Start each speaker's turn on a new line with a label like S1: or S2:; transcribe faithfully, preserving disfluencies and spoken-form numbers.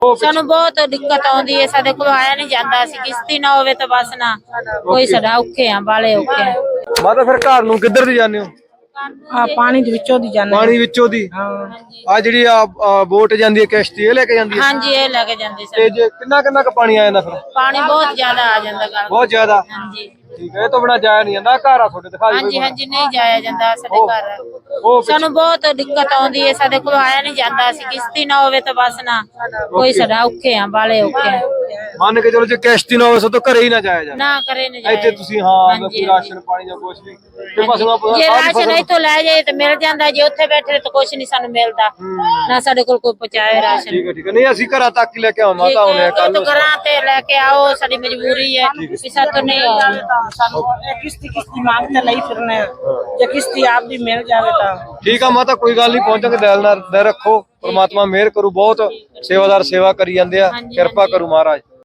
S1: ਸਾਨੂੰ ਬਹੁਤ ਦਿੱਕਤ ਆਉਂਦੀ ਹੈ, ਸਾਡੇ ਕੋਲ ਆਇਆ ਨਹੀਂ ਜਾਂਦਾ। ਅਸੀਂ ਕਿਸ਼ਤੀ ਨਾ ਹੋਵੇ ਤਾਂ ਬਸ ਨਾ ਕੋਈ ਸਾਡਾ ਔਖੇ ਆ, ਬਾਲੇ ਔਖੇ ਆ।
S2: ਮਾਤਾ ਫਿਰ ਘਰ ਨੂੰ ਕਿੱਧਰ ਦੀ ਜਾਂਦੇ ਹੋ?
S3: ਆ ਪਾਣੀ ਦੇ ਵਿੱਚੋਂ ਦੀ ਜਾਂਦੇ
S2: ਪਾਣੀ ਵਿੱਚੋਂ ਦੀ? ਆ ਜਿਹੜੀ ਆ ਬੋਟ ਜਾਂਦੀ ਹੈ, ਕਿਸ਼ਤੀ, ਇਹ ਲੈ ਕੇ ਜਾਂਦੀ ਹੈ?
S1: ਹਾਂਜੀ, ਇਹ ਲੈ ਕੇ ਜਾਂਦੇ
S2: ਤੇ ਜੇ ਕਿੰਨਾ ਕਿੰਨਾ ਕੁ ਪਾਣੀ ਆ ਜਾਂਦਾ ਫਿਰ?
S1: ਪਾਣੀ ਬਹੁਤ ਜ਼ਿਆਦਾ ਆ ਜਾਂਦਾ ਗੱਲ।
S2: ਬਹੁਤ ਜ਼ਿਆਦਾ?
S1: ਹਾਂਜੀ
S2: ਠੀਕ ਹੈ। ਇਹ ਤੋਂ ਬਿਨਾਂ ਜਾਇਆ ਨਹੀਂ ਜਾਂਦਾ? ਘਰ ਆ ਤੁਹਾਡੇ? ਦਿਖਾ ਦਿਓ।
S1: ਹਾਂਜੀ ਹਾਂਜੀ, ਨਹੀਂ ਜਾਇਆ ਜਾਂਦਾ ਸਾਡੇ ਘਰ। ਸਾਨੂੰ ਬਹੁਤ ਦਿੱਕਤ ਆਉਂਦੀ ਹੈ, ਸਾਡੇ ਕੋਲ ਆਇਆ ਨਹੀਂ ਜਾਂਦਾ। ਅਸੀਂ ਕਿਸ਼ਤੀ ਨਾ ਹੋਵੇ ਤਾਂ ਬਸ ਨਾ ਕੋਈ ਸਾਡਾ ਔਖੇ ਆ, ਬਾਲੇ ਔਖੇ ਆ।
S2: ਮੰਨ ਕੇ ਚਲੋ ਜੇ ਕਿਸ਼ਤੀ ਨਾ ਹੋਵੇ ਸੋ ਤਾਂ ਘਰੇ ਹੀ ਨਾ ਜਾਇਆ ਜਾਂਦਾ?
S1: ਨਾ ਕਰੇ ਨਾ ਜਾਇਆ।
S2: ਇੱਥੇ ਤੁਸੀਂ ਹਾਂ ਕੋਈ ਰਾਸ਼ਨ ਪਾਣੀ ਜਾਂ ਕੁਝ ਵੀ ਤੇ ਪਸ਼ੂਆਂ ਪਸ਼ੂਆਂ
S1: ਜੇ ਰਾਸ਼ਨ ਇੱਥੋਂ ਲੈ ਜਾਏ ਤਾਂ ਮਿਲ ਜਾਂਦਾ, ਜੇ ਉੱਥੇ ਬੈਠੇ ਤਾਂ ਕੁਝ ਨਹੀਂ ਸਾਨੂੰ ਮਿਲਦਾ, ਨਾ ਸਾਡੇ ਕੋਲ ਕੋਈ ਪਹੁੰਚਾਏ ਰਾਸ਼ਨ।
S2: ਠੀਕ ਹੈ ਠੀਕ ਹੈ। ਨਹੀਂ ਅਸੀਂ ਘਰਾਂ ਤੱਕ ਹੀ ਲੈ ਕੇ ਆਵਾਂ ਮਾਤਾ ਹੁਣੇ ਕੱਲ ਨੂੰ।
S1: ਘਰਾਂ ਤੇ ਲੈ ਕੇ ਆਓ, ਸਾਡੀ ਮਜਬੂਰੀ ਹੈ ਵੀ ਸਾਤੋਂ ਨਹੀਂ ਆਉਂਦਾ।
S3: किस्ती किस्ती मांगते नहीं फिरने, या किस्ती आप भी मिल जावे तो
S2: ठीक है माता, कोई गल नहीं, पहुंचांगे। दिल नाल दिल रखो, परमात्मा मेहर करू। बहुत सेवादार सेवा करी जांदे आ, किरपा करू महाराज।